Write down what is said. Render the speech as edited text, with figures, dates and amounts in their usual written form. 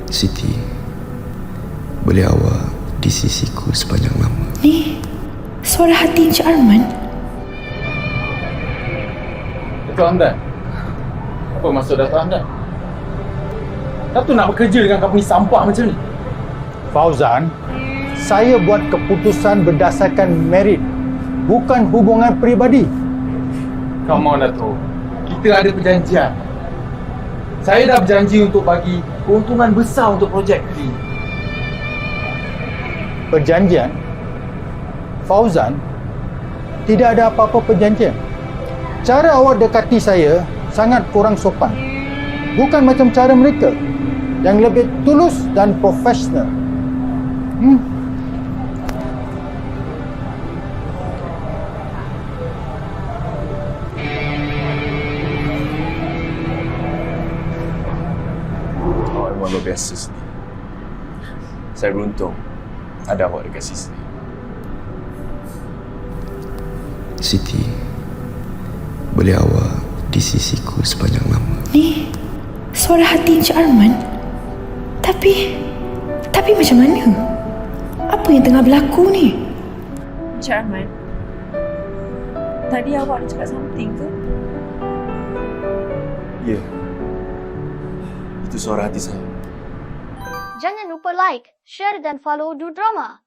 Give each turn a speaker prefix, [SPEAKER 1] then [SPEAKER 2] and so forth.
[SPEAKER 1] Siti, boleh awak di sisiku sepanjang lama.
[SPEAKER 2] Ni, suara hati Encik Arman.
[SPEAKER 3] Dato' Hamdan, apa maksud Dato' Hamdan? Dato' nak bekerja dengan company sampah macam ni?
[SPEAKER 4] Fauzan, saya buat keputusan berdasarkan merit, bukan hubungan peribadi.
[SPEAKER 3] Come on Dato', kita ada perjanjian. Saya dah berjanji untuk bagi keuntungan besar untuk projek ni.
[SPEAKER 4] Perjanjian? Fauzan, tidak ada apa-apa perjanjian. Cara awak dekati saya sangat kurang sopan. Bukan macam cara mereka yang lebih tulus dan profesional.
[SPEAKER 5] Awak memang luar biasa sini. Saya beruntung ada awak dekat sini.
[SPEAKER 1] Siti, boleh awak di sisiku sepanjang lama.
[SPEAKER 2] Ni, suara hati Encik Arman. Tapi macam mana? Apa yang tengah berlaku ni?
[SPEAKER 6] Encik Arman, tadi awak ada cakap something ke?
[SPEAKER 5] Ya. Itu suara hati saya.
[SPEAKER 7] Jangan lupa like, share dan follow Du Drama.